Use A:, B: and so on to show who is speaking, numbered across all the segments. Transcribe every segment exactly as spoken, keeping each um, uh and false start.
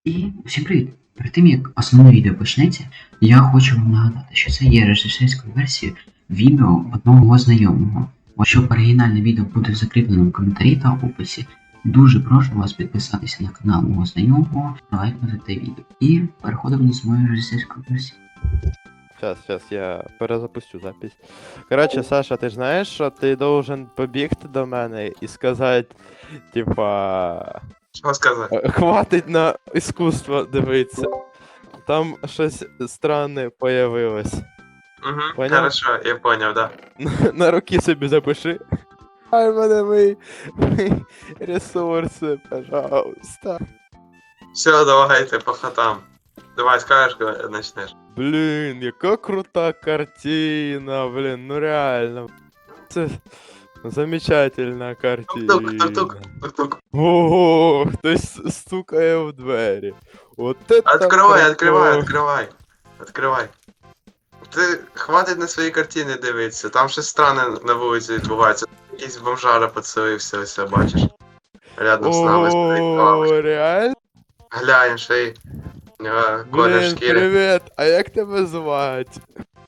A: І всім привіт! Перед тим як основне відео почнеться, я хочу вам нагадати, що це є режисерською версією відео одного мого знайомого. Якщо оригінальне відео буде в закріпленому коментарі та описі, дуже прошу вас підписатися на канал мого знайомого та лайкнути те відео. І переходимо до своєї режисерської версії.
B: Сейчас, сейчас, я перезапустю запись. Короче, Саша, ти ж знаєш, що ти должен побігти до мене і сказати, типа,
C: Що сказати?
B: «Е, хватить на іскусство дивитися. Там щось странне появилось.
C: Угу,
B: Поняв?
C: хорошо, я поняв, да.
B: На руки собі запиши. Ай, мене мої, мої ресурси, пожалуйста.
C: Все, давайте по хатам. Давай скажеш, коли почнеш.
B: Блін, яка крута картина, блін, ну реально. Це замечательна картина.
C: Тук-тук, тук-тук, тук-тук.
B: Ого, хтось стукає в двері. От это
C: Откривай,
B: прикол.
C: відкривай, відкривай. Відкривай. Ти хватить на свої картини дивитися, там щось странне на вулиці відбувається. Якийсь бомжара поцелився, ось бачиш. Рядом з нами стоїть лавочка.
B: О, реально?
C: Глянь, ще й е, колір
B: Блін,
C: шкіри.
B: привіт, а як тебе звати?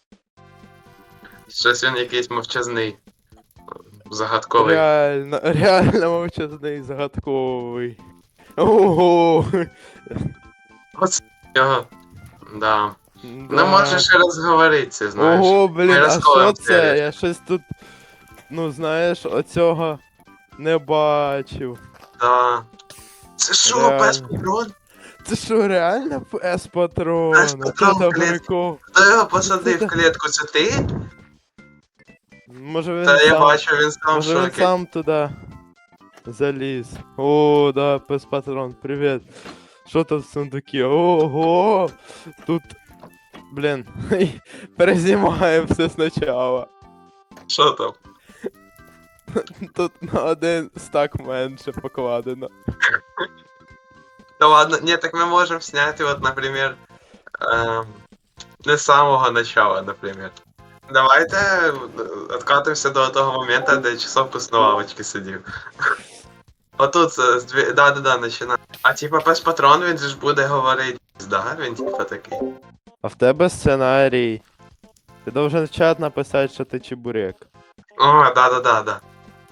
C: Щось він якийсь мовчазний. Загадковий.
B: Реально, реально мовчазний, загадковий. Ого.
C: Оце його. Да.
B: Да.
C: Не можеш ще розговоритися, знаєш.
B: Ого, блін,
C: Ми
B: а
C: розколем
B: що це?
C: серію.
B: Я щось тут, ну знаєш, оцього не бачив.
C: Да. Це що,
B: Реально.
C: пес патрон?
B: Це що, реально С-патрон?
C: С-патрон
B: Це
C: в клітці.
B: прикол.
C: Хто його посадив в клітку? Це ти?
B: Може він
C: Та я
B: сам,
C: бачу, він сам в
B: може він
C: шокі.
B: сам туди заліз. О, да, пес-патрон, привіт. Що тут в сундукі? Ого! Тут, блін, перезнімаємо все спочатку.
C: Що там?
B: Тут на один стак менше покладено.
C: Та ладно, ні, так ми можемо зняти, от, наприклад, ем, не з самого начала, наприклад. Давайте е, откатимося до того моменту, де часовку на лавочці сидів. Отут, е, з дві... да-да-да, починай. А типа пес патрон, він же ж буде говорити, да? Він типа такий.
B: А в тебе сценарій. Ти должен в чат написати, що ти чебурек.
C: О, да-да-да, да.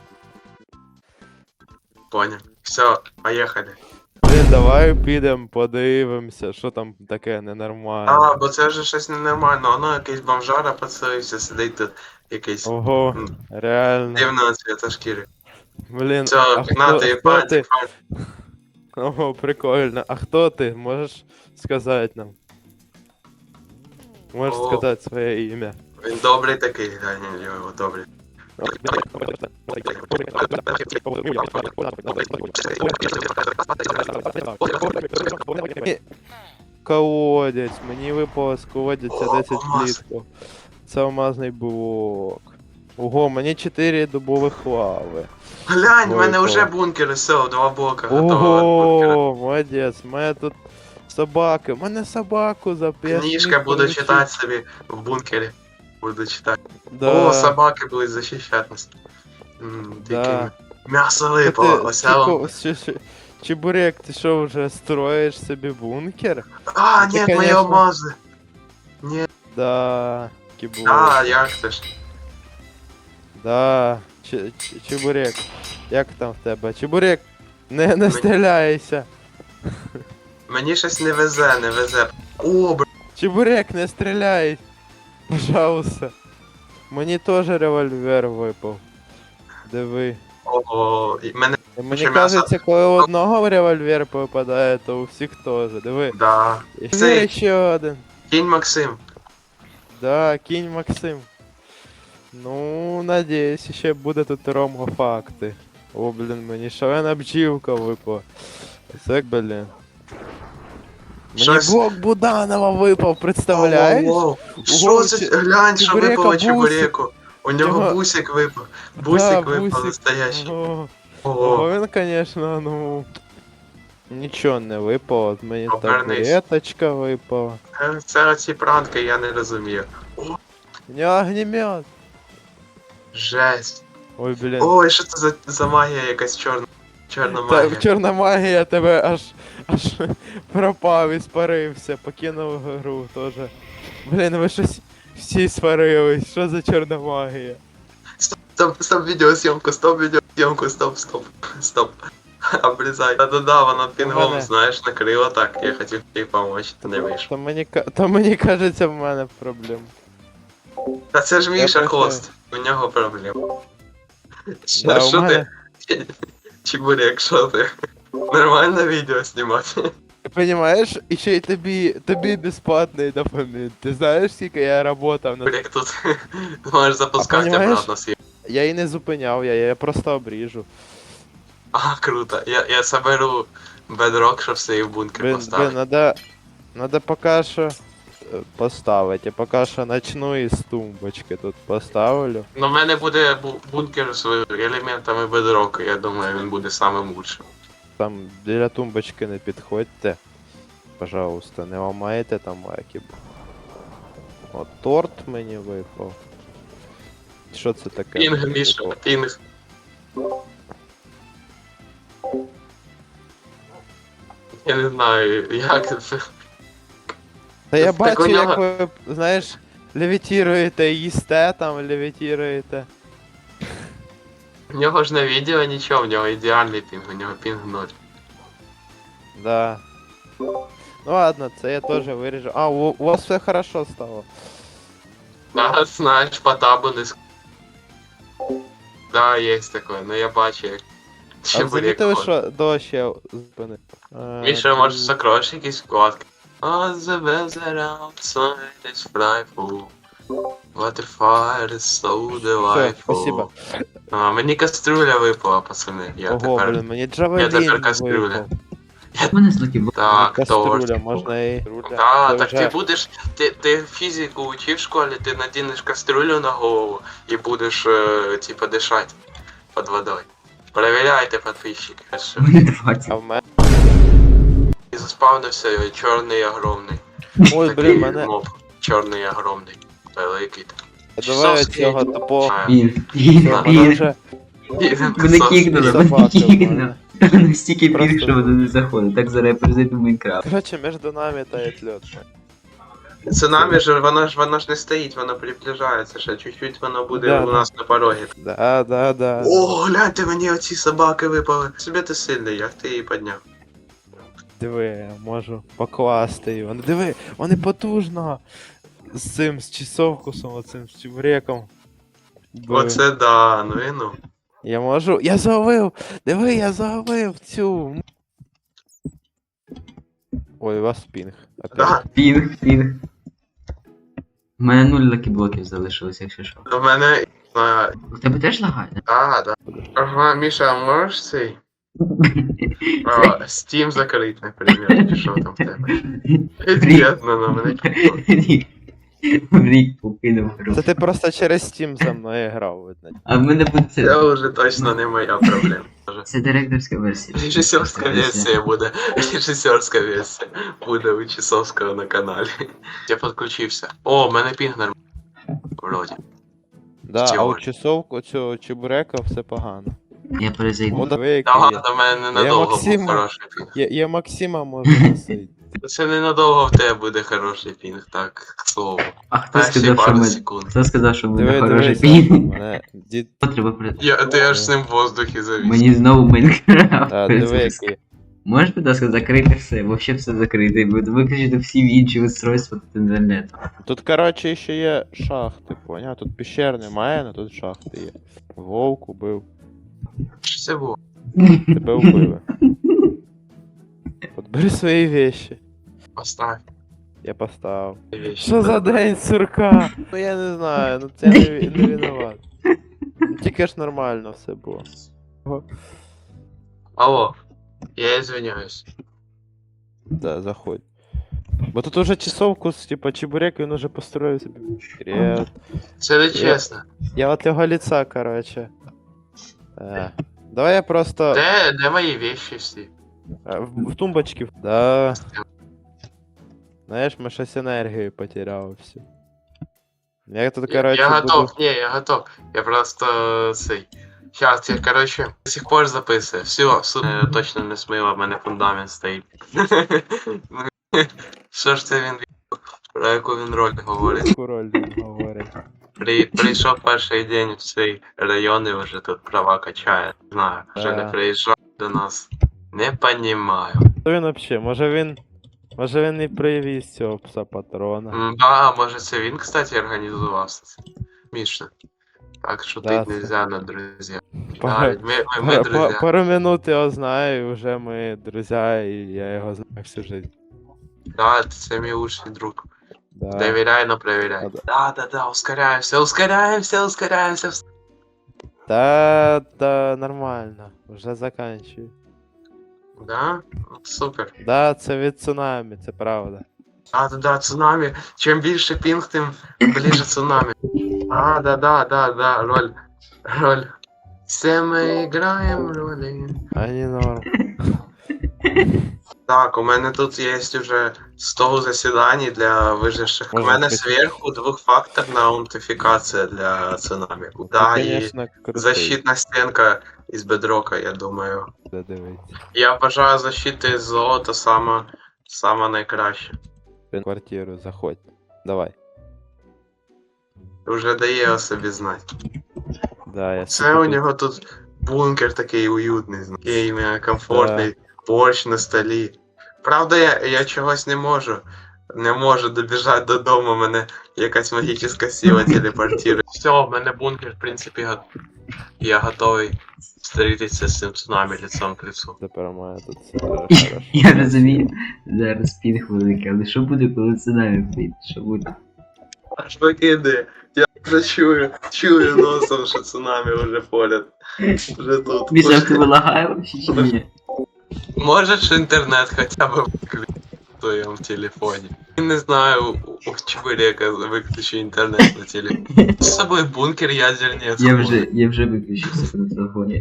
C: Понял. Все, поїхали.
B: Блін, давай підемо, подивимося, що там таке ненормальне.
C: А, бо це вже щось ненормально, воно якийсь бомжара поцелився, сидить тут якийсь
B: Ого,
C: м,
B: реально.
C: дивного цвіта шкіри.
B: Блін,
C: Все,
B: а
C: на
B: хто,
C: ти,
B: хто
C: пальці,
B: ти?
C: пальці.
B: Ого, прикольно. А хто ти? Можеш сказати нам? Можеш
C: О.
B: сказати своє ім'я.
C: Він добрий такий, глянь, його добрий.
B: Колодязь, мені випало з колодязя
C: О,
B: десять
C: алмаз.
B: слідків. Це алмазний блок. Ого, мені чотири дубових лави.
C: Глянь, в мене
B: Ой,
C: вже
B: то.
C: бункер, все, два блока готового бункера.
B: Ого, молодець, у мене тут собаки. У мене собаку зап'ять.
C: Книжка буду читати собі в бункері. Буду читати.
B: Да.
C: О, собаки будуть захищати нас. М,
B: Да.
C: таке М'ясо
B: Та
C: випало,
B: ти,
C: ось я вам.
B: Чіко- чи- чи- Чебурек, ти що, вже строїш собі бункер?
C: А,
B: ти,
C: ні, мої
B: конечно.
C: алмази. Ні,
B: Да, кібур.
C: а, як це ж?
B: Да. Ч- ч- Чебурек. Як там в тебе? Чебурек, не, не стріляйся.
C: Мені щось не везе, не везе. О, бр...
B: Чебурек, не стріляй. Пожалуйста. Мені теж револьвер випав. Диви.
C: О, і мене,
B: Мені
C: Ще
B: кажеться,
C: м'ясо.
B: коли у одного револьвер попадає, то у всіх теж. Диви.
C: да.
B: І
C: Цей.
B: ще один.
C: Кінь Максим.
B: Да, кінь Максим. Ну, надіюсь, ще буде тут ромго-факти. О, блін, мені шалена бджілка випала. Це, блін. Мені
C: Щось-
B: блок Буданова випав, представляєш?
C: Воу, воу. Що
B: Ого,
C: це?
B: чи-
C: Глянь, що
B: чебурека
C: випало
B: бусик.
C: чебуреку. У нього
B: Його-
C: бусик випав.
B: Да,
C: Бусик випав
B: бусик.
C: настоящий.
B: Ого.
C: Ого.
B: Ого, він, конечно, ну... Нічого не випало, от мені
C: Обернись.
B: таблеточка випала.
C: Е, Це оці пранки, я не розумію.
B: У нього огнемет.
C: Жесть.
B: Ой, блін.
C: Ой, що це за, за магія якась чорна. Чорна магія.
B: Та чорна магія тебе аж, аж пропав і спарився, покинув гру теж. Блін, ви щось всі сварились, що за чорна магія?
C: Стоп, стоп, відеосйомку, стоп, відеосйомку, стоп, стоп, стоп. Обрізай. Да-да-да, вона пінгом,
B: мене-
C: знаєш, накрила так, я хотів їй помочь, то не вийшло.
B: То мені, ка- то мені кажеться, в мене проблем.
C: Та це ж Міша
B: Я
C: хост, у нього проблема. Що,
B: Да, у
C: що
B: мене,
C: ти? Чебурек, що ти? Нормально відео знімати?
B: ти розумієш, і ще й тобі, тобі безплатний дофамін. Ти знаєш, скільки я работав на...
C: Чебурек тут можеш запускати
B: понімаєш?
C: обратно свій.
B: Я її не зупиняв, я, я просто обріжу.
C: А, круто. Я, я соберу бедрок, щоб свій в бункер
B: Блин,
C: поставити.
B: блин, надо, надо пока що е, поставити. Я пока що начну із тумбочки тут поставлю.
C: Ну, в мене буде бу- бункер з елементами бедроку, я думаю, він буде самим лучшим.
B: Там біля тумбочки не підходьте. Пожалуйста, не ламайте там лайки. От торт мені випав. Що це таке?
C: Пінг, Міша,
B: Випав?
C: пінг. Я не знаю, як це.
B: Та я
C: Так
B: бачу,
C: у нього-
B: як ви, знаєш, левітіруєте, їсте там, левітіруєте.
C: В нього ж на відео нічого, в нього ідеальний пінг, у нього пінг ноль.
B: Да. Ну ладно, це я теж виріжу. А, у, у вас все хорошо стало.
C: Да, знаєш, по табу не ск... Да, є таке, ну я бачу, як
B: А
C: чебурек
B: замітили,
C: ходить.
B: що дощ я зупинив? А,
C: Міша,
B: тут-
C: може закроєш якісь вкладки? On the weather outside is frightful. Waterfire is so delightful.
B: спасибо.
C: А, мені каструля випала, пацани. Я
B: Ого,
C: тепер...
B: блін, мені Джавелін
C: тепер кастрюля.
B: випав.
A: У мене злокі були.
C: Так,
B: Каструля,
C: торт.
B: можна і...
C: Да,
B: Це
C: так
B: вже-
C: ти будеш, ти, ти фізику учив в школі, ти надінеш каструлю на голову і будеш, е, типа, дишати під водою. Перевіряйте, підписчики. що-
A: Вони двадцять.
B: А в мене...
C: І заспавнився е, чорний огромний.
B: Ой,
C: Такий
B: блін, мене...
C: моб. Чорний огромний. Великий.
B: Давай
C: Часовський.
B: цього тупого...
C: А,
A: Пінг,
B: Все,
A: пінг,
B: мене
A: пінг.
B: вже...
A: Мене кікнули, мене
B: собаки в
A: кікнули.
B: мене.
A: Мене стільки
B: Просто-
A: пінг, що воно не заходить. Так зараз я перезайду в Майнкрафт.
B: Короче, між нами тает лед.
C: Цунамі ж, воно ж, воно ж не стоїть, воно приближається, ще чуть-чуть воно буде
B: Да,
C: у
B: да.
C: нас на порогі.
B: Да, да, да.
C: О, гляньте, мені оці собаки випали. Собі ти сильний, як ти її підняв.
B: Диви, я можу покласти його. Ну диви, вони потужно. З цим, з часовкусом, оцим, з чебуреком. Диви.
C: Оце да, ну і ну.
B: Я можу. Я зловив! Диви, я зловив цю. Ой, у вас пінг. Опять.
C: Да,
A: Пінг, пінг. У мене нуль лакіблоків залишилось, якщо що.
C: до мене. А,
A: У тебе теж лагає?
C: а, да. Ага, Міша, а можеш цей? А, Steam закрити, наприклад, чи що там в тебе? Від'єдно на мене.
A: Рік. Рік покинув гру.
B: Це ти просто через Steam за мною грав, видно.
A: А в мене буде це.
C: Це вже точно не моя проблема.
A: Це директорська версія.
C: Режисерська версія буде. Режисерська версія буде у Часовського на каналі. Я підключився. О, в мене пінг нормальний. Вроді.
B: Да, а у
C: Теорія.
B: часовку цього чебурека все погано.
A: Я перезайду.
B: О, диви, який
C: Та
B: є.
C: ладно, в мене ненадовго
B: Максима.
C: був хороший пінг.
B: Я, я Максима можу носити.
C: Це ненадовго в тебе буде хороший пінг, так, к слову.
A: А хто
C: Перші
A: сказав, що
C: пару
A: ми...
C: секунд.
A: Хто сказав, що буде
B: Диви,
A: хороший
B: дивися,
A: пінг?
B: мене дід...
A: Треба при...
C: Я, ти аж з ним в воздухі завіс.
A: Мені знову Майнкрафт.
B: А, диви,
A: перезапуск.
B: який.
A: Можеш, будь ласка, закрити все, вообще все закрити, виключити всі інші устройства від інтернету.
B: Тут, короче, ще є шахти, поняв? Тут піщер немає, але тут шахти є. Вовк убив.
C: Що це було?
B: Тебе вбили. От бери свої вещи.
C: Поставь.
B: Я поставив.
C: вещи.
B: Що за день сурка? Ну я не знаю, ну це не, ві- не винуват. Ну, тільки ж нормально все було.
C: Алло, я извиняюсь.
B: Да, заходь. Бо тут уже часовку, з, типа, чебурек, він уже построїв собі. Привет.
C: Це не чесно.
B: Я от його лица, короче. Е, Давай я просто
C: Де, де мої вещи всі?
B: е, в, в тумбочки. Да. Знаєш, ми щось енергію потеряли всю. Я тут,
C: Я,
B: короче,
C: я
B: буду...
C: готов, ні, я готов. Я просто цей. Сейчас, я, короче, до сих пор записую. Все, сука, точно не смила, в мене фундамент стоїть. Що ж це він ві- про яку він роль говорить?
B: Король він говорить.
C: При, прийшов перший день в цей район і вже тут права качає. Не знаю, вже не
B: Да.
C: приїжджав до нас. Не понімаю.
B: Хто він взагалі? Може він. Може він і привіз цього пса патрона.
C: М, Да, може це він, кстати, організувався. Міша. Так шутить
B: Да, це-
C: нельзя на друзі.
B: Пару,
C: Да, ми, ми, ми
B: пару,
C: друзі.
B: пару минут його знаю, і вже ми друзі, і я його знаю всю життя.
C: Да, це мій лучший друг.
B: Да.
C: Доверяй, но проверяй.
B: Да.
C: Да, да, да, ускоряемся, ускоряемся, ускоряемся.
B: Та, та нормально, вже заканчую.
C: Да? Ну, супер.
B: Да, це від цунамі, це правда.
C: Да, да, да, цунами. Чим більше пінг, тим ближе цунами. А, да, да, да, да, роль. Роль. Все ми граємо ролі.
B: А не норм.
C: Так, у мене тут є вже сто засідань для виживших. У
B: Можна
C: мене
B: сказати.
C: зверху двохфакторна аутентифікація для цунами. Да,
B: Ти,
C: і
B: конечно, крутий.
C: защитна стінка із бедрока, я думаю.
B: Дивіться.
C: Я вважаю защити з золота сама, сама найкраща.
B: В квартиру заходь. Давай.
C: Вже дає о собі знати.
B: Да, я
C: Це
B: собі
C: у
B: тут-
C: нього тут бункер такий уютний, такий іменно комфортний, борщ на столі. Правда, я, я чогось не можу. Не можу добіжати додому, мене якась магічна сила телепортує. Все, в мене бункер, в принципі, го... я готовий зустрітися з цим цунамі лицом к лицу.
B: Тепер має тут все хорошо.
A: Я розумію, зараз пінг великий, але що буде, коли цунамі прийде? Що буде?
C: Аж покиди. Я вже чую, чую носом, що цунамі вже поряд. Вже тут.
A: Міша, в тебе лагає вообще чи ні?
C: Можеш інтернет хоча б виключити в твоєму телефоні? Я не знаю, у, у чебурека виключи інтернет на телефоні. З собою бункер ядерні
A: Я вже, я вже виключився на телефоні.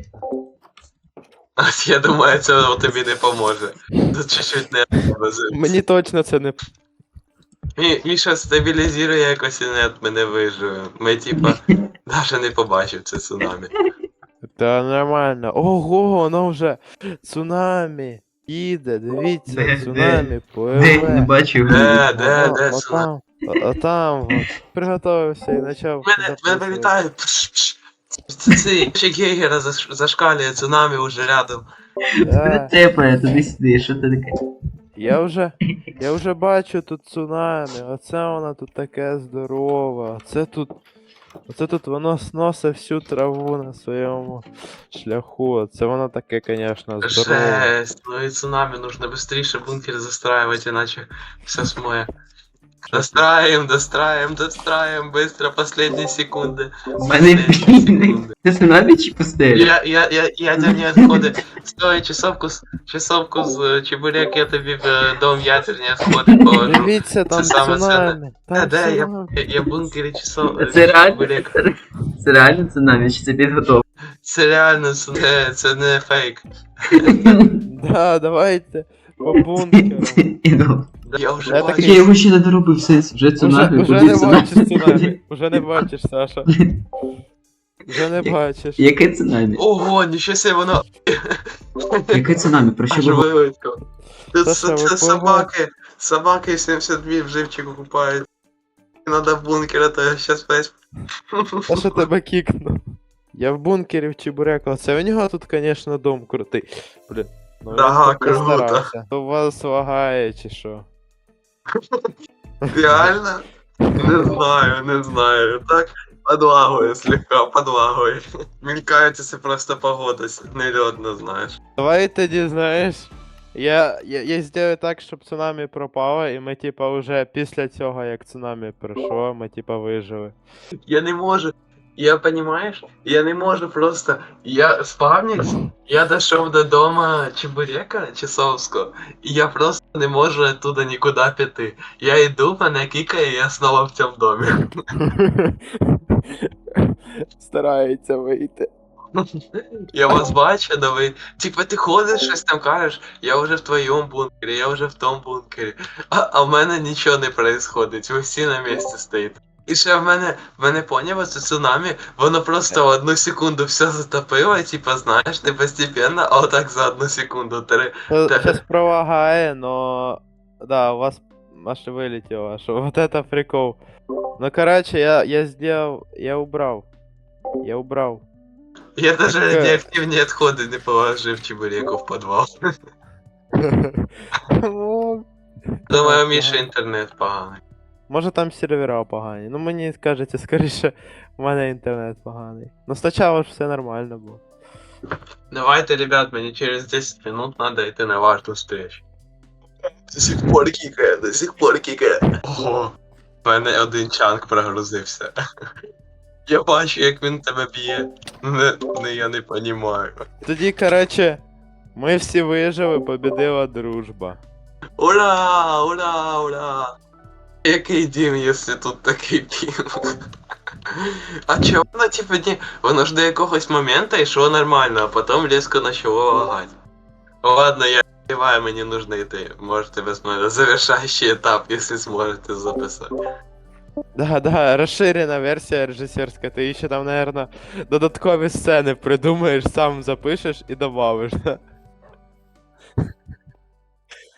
C: Я думаю, це тобі не поможе. Тут чуть-чуть не
B: Мені точно це не
C: Мі, Міша, стабілізує якось інет, ми не виживемо. Ми типа навіть не побачив це цунамі.
B: Та нормально. Ого, воно вже цунамі. Їде, дивіться,
A: Де,
B: цунамі
A: Де? Не
B: пливе.
A: бачу його.
C: Де, де,
B: Ага,
C: де
B: а
C: цунамі?
B: там, а, а там, от, приготовився і почав.
C: Мене, мене
B: записувати.
C: вилітає. Пш, пш. Це цей Чек Гейгера заш- зашкалює, цунамі уже рядом.
B: Да.
A: Притепає туди-сюди, що це таке?
B: Я вже, я вже бачу тут цунамі, оце воно тут таке здорове, оце тут, оце тут воно сносить всю траву на своєму шляху, це воно таке, звісно, здорове.
C: Жесть, ну и цунами нужно быстрее бункер застраивать, иначе все смоет. Достраиваем, достраиваем, достраиваем, быстро, последние секунды.
A: У мене пінг. Це цунамі чи пустелі?
C: Я, я, я, ядерні відходи. Стой, часовку, з- часовку з чебурек, я тобі в е, дом ядерні відходи положу.
B: Дивіться, там
C: саме
B: цунамі,
C: Де,
B: там
C: де, я,
B: цунамі.
C: я, я в бункері часов,
A: Це реально?
C: чебурек.
A: Це реально цунамі, чи це підготовка?
C: Це реально, це не, це не фейк.
B: Да, давайте, по бункеру.
A: Іду.
C: Я вже
B: Я
C: бачу.
B: такий-
A: Я його ще не доробив, сенс, вже
B: Уже,
A: цунамі,
B: уже
A: куди
B: не бачиш
A: цунамі?
B: цунамі, уже не бачиш, Саша. Вже не бачиш.
A: Яке цунамі?
C: Ого, нічого себе, воно
A: Яке цунамі? Про що
C: аж
A: ви
C: вилетіло. Тут
B: Та
C: це,
B: що,
C: це
B: ви
C: собаки, собаки сімдесят дві в живчику купають. Надо в бункер, а то я щас весь...
B: Та що тебе кікну? Я в бункері в Чебурека. Оце у нього тут, конечно, дом крутий. Блін. Ну, він
C: Да,
B: так
C: круто.
B: постарався. То вас лагає чи що?
C: Реально? Не знаю, не знаю. Так подлагує слегка, подлагує. Мелькається це просто погода, нельотно, знаєш.
B: Давай тоді, знаєш. Я, я, я зроблю так, щоб цунамі пропало, і ми, типа, вже після цього, як цунамі пройшло, ми, типа, вижили.
C: Я не можу. Я, понимаешь, я не можу просто. Я спавнився, я дійшов до дома Чебурека Часовського, і я просто не можу оттуда нікуди піти. Я йду, мене кікає, і я знову в цьому домі.
B: Старається вийти.
C: Я вас бачу, но ви. Типа ти ходиш, щось там кажеш, я вже в твоєму бункері, я вже в тому бункері. А, а в мене нічого не происходить, ви всі на місці стоїте. І ще в мене, в мене поняв, це цунамі, воно просто одну секунду все затопило, і типа, знаєш, не постепенно, а отак за одну секунду. Три.
B: Сейчас пролагає, но... Да, у вас аж вылетело, аж вот это прикол. Ну, короче, я, я сделал, я убрал. Я убрал.
C: Я даже
B: Так, е.
C: радіоактивні відходи не положив чебуреку в підвал.
B: Ну,
C: Думаю,
B: так,
C: Міша
B: ага.
C: інтернет поганий.
B: Може там сервера погані. Ну мені скажете, скоріше, в мене інтернет поганий. Ну спочатку ж все нормально було.
C: Давайте, ребят, мені через десять минут надо йти на важну встречу. До сих пор кікає, до сих пор кікає. Ого, в мене один чанк прогрузився. Я бачу, як він тебе б'є. Не, не, я не понімаю.
B: Тоді, коротше, ми всі вижили, побідила дружба.
C: Ура, ура, ура. Який дім, якщо тут такий дім? А чого воно, типу, ні, воно ж до якогось моменту йшло нормально, а потім різко почало лагати. Ладно, я співаю, мені нужно йти. Можете без мене завершаючий етап, якщо зможете записати.
B: Да, да, розширена версія режисерська, ти ще там, наверно, додаткові сцени придумаєш, сам запишеш і добавиш. Да?